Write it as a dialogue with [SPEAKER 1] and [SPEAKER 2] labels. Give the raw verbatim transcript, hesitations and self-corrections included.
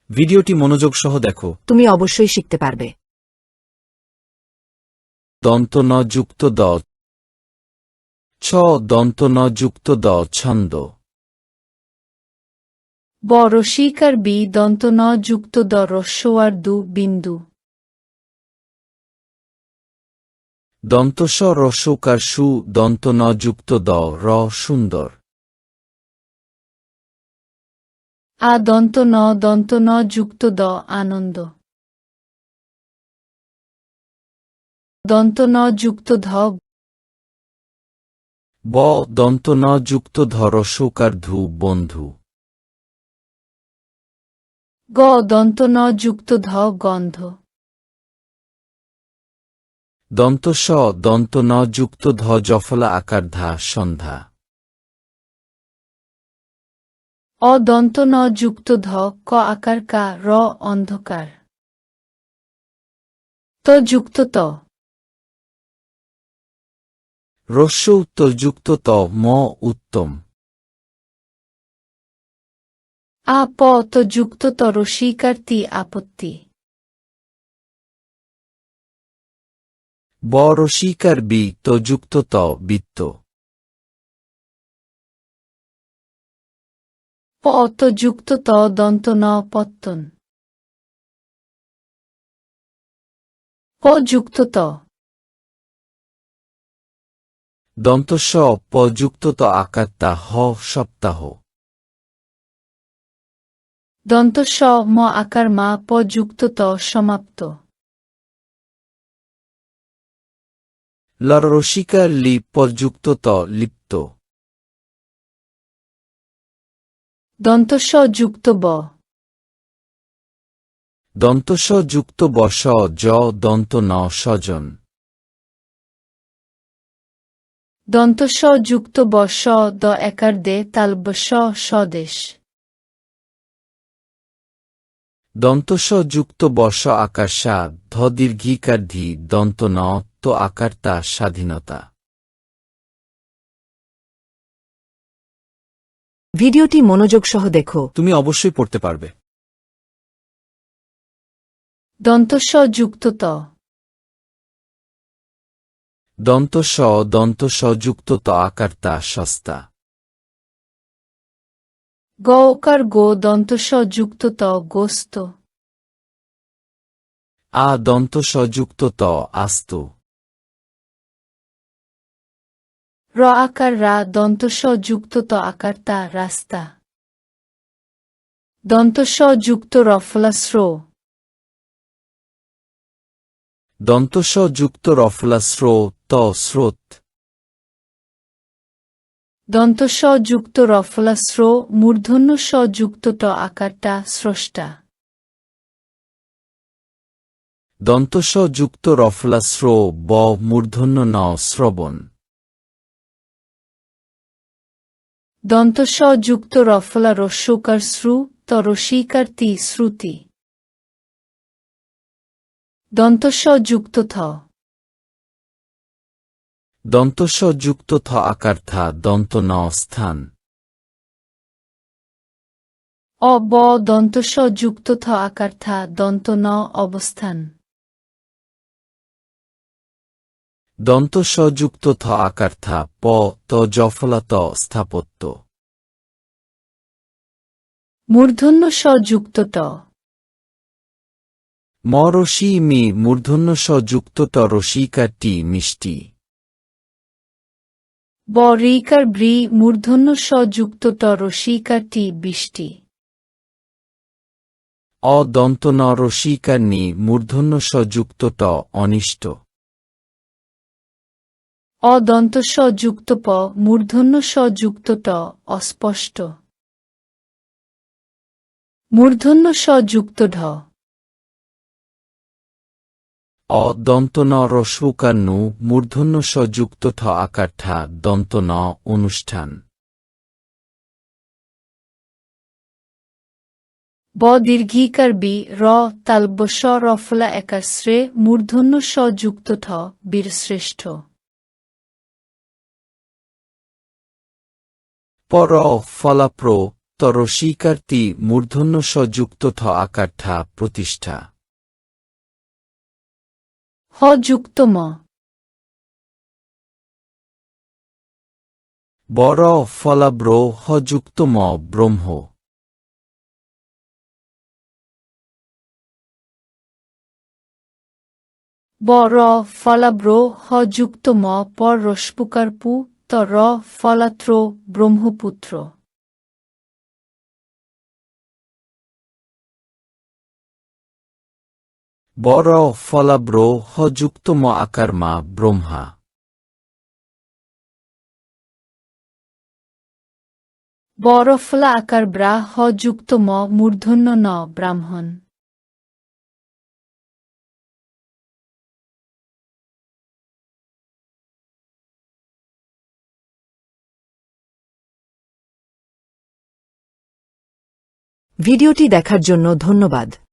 [SPEAKER 1] ভিডিওটি মনোযোগ সহ দেখো।
[SPEAKER 2] তুমি অবশ্যই শিখতে পারবে।
[SPEAKER 1] দন্ত ন যুক্ত দ ছ দন্ত ন যুক্ত দ ছন্দ।
[SPEAKER 3] ব রসিকার বি দন্ত ন যুক্ত দ রস্য আর দু বিন্দু।
[SPEAKER 1] দন্ত স রস্যকার সু দন্ত ন যুক্ত দ র সুন্দর।
[SPEAKER 3] আ দন্ত ন দন্ত ন যুক্ত দ আনন্দ। দন্ত ন যুক্ত ধ
[SPEAKER 1] ব দন্ত ন যুক্ত ধ রস্যকার ধু বন্ধু।
[SPEAKER 3] গ দন্ত ন যুক্ত ধ গন্ধ।
[SPEAKER 1] দন্ত স দন্ত ন যুক্ত ধ জফলা আকার ধা সন্ধ্যা।
[SPEAKER 3] অ দন্ত ন যুক্ত ধ ক আকার কা র অন্ধকার। ত যুক্ত ত
[SPEAKER 1] রস্য উত্তর যুক্ত ত ম উত্তম।
[SPEAKER 3] আ প ত যুক্ত ত রসিকার তি আপত্তি।
[SPEAKER 1] ব রসিকার বি ত যুক্ত ত বৃত্ত।
[SPEAKER 3] প ত যুক্ত ত দন্ত ন পত্তন। প যুক্ত ত
[SPEAKER 1] দন্ত স প যুক্ত ত আকার তা হ সপ্তাহ।
[SPEAKER 3] দন্ত স ম আকার মা প যুক্ত ত সমাপ্ত।
[SPEAKER 1] ল রসিকার লি প যুক্ত ত লিপ্ত।
[SPEAKER 3] দন্ত স যুক্ত ব
[SPEAKER 1] দন্ত স যুক্ত ব স জ দন্ত ন স্বজন।
[SPEAKER 3] দন্ত স যুক্ত ব স দ একার দে তালব স স্বদেশ।
[SPEAKER 1] দন্ত স যুক্ত ব স আকার সা ধ দীর্ঘিকার ধি দন্ত ন ত আকার তা স্বাধীনতা।
[SPEAKER 2] ভিডিওটি মনোযোগ সহ দেখো।
[SPEAKER 1] তুমি অবশ্যই পড়তে পারবে।
[SPEAKER 3] দন্ত স যুক্ত ত
[SPEAKER 1] দন্ত স দন্ত স যুক্ত ত আকার তা সস্তা।
[SPEAKER 3] গ ওকার গো দন্ত স যুক্ত ত গোস্ত।
[SPEAKER 1] আ দন্ত স যুক্ত ত আস্ত।
[SPEAKER 3] র আকার রা দন্ত স যুক্ত ত আকার তা রাস্তা। দন্ত স যুক্ত রফলা স্র
[SPEAKER 1] দন্ত স যুক্ত রফলা স্র ত স্রোত।
[SPEAKER 3] দন্ত স যুক্ত রফলা স্র মূর্ধন্য স যুক্ত ট আকার টা স্রষ্টা।
[SPEAKER 1] দন্ত স যুক্ত রফলা স্র ব মূর্ধন্য ন শ্রবণ।
[SPEAKER 3] দন্ত স যুক্ত রফলা রস্যকার শ্রু ত রসিকার তি শ্রুতি। দন্ত স যুক্ত থ
[SPEAKER 1] দন্ত স যুক্ত থ আকার থা দন্ত ন স্থান।
[SPEAKER 3] অ ব দন্ত স যুক্ত থ আকার থা দন্ত ন অবস্থান।
[SPEAKER 1] দন্ত স যুক্ত থ আকার থা প ত জফলা ত স্থাপত্য।
[SPEAKER 3] মূর্ধন্য স যুক্ত ট
[SPEAKER 1] ম রসি মি মূর্ধন্য স যুক্ত ট রসিকার টি মিষ্টি।
[SPEAKER 3] ব ঋকার ব্রি মূর্ধন্য স যুক্ত ট রসিকার টি বৃষ্টি।
[SPEAKER 1] অ দন্ত ন রসিকার নি মূর্ধন্য স যুক্ত ট অনিষ্ট।
[SPEAKER 3] অ দন্ত স যুক্ত প মূর্ধন্য স যুক্ত ট অস্পষ্ট। মূর্ধন্য স যুক্ত ঢ
[SPEAKER 1] অ দন্ত ন রস্যকার নু মূর্ধন্য স যুক্ত ঠ আকার ঠা দন্ত ন অনুষ্ঠান।
[SPEAKER 3] ব দীর্ঘিকার বি র তালব স রফলা একার শ্রে মূর্ধন্য স যুক্ত ঠ বীরশ্রেষ্ঠ।
[SPEAKER 1] পর ফলাপ্র তর স্বীকার্তি মূর্ধন্য স যুক্ত ঠ আকার ঠা প্রতিষ্ঠা
[SPEAKER 3] হ যুক্ত ম
[SPEAKER 1] বর ফলাব্র হ যুক্ত ম ব্রহ্ম
[SPEAKER 3] ব র ফলাব্র হ যুক্ত ম পর রস্পুকার পু ত র ফলাত্র ব্রহ্মপুত্র
[SPEAKER 1] বর ফলাব্র হ যুক্ত ম আকার মা ব্রহ্মা
[SPEAKER 3] বরফলা আকার ব্রা হ যুক্ত ম মূর্ধন্য ন ব্রাহ্মণ
[SPEAKER 2] ভিডিওটি দেখার জন্য ধন্যবাদ।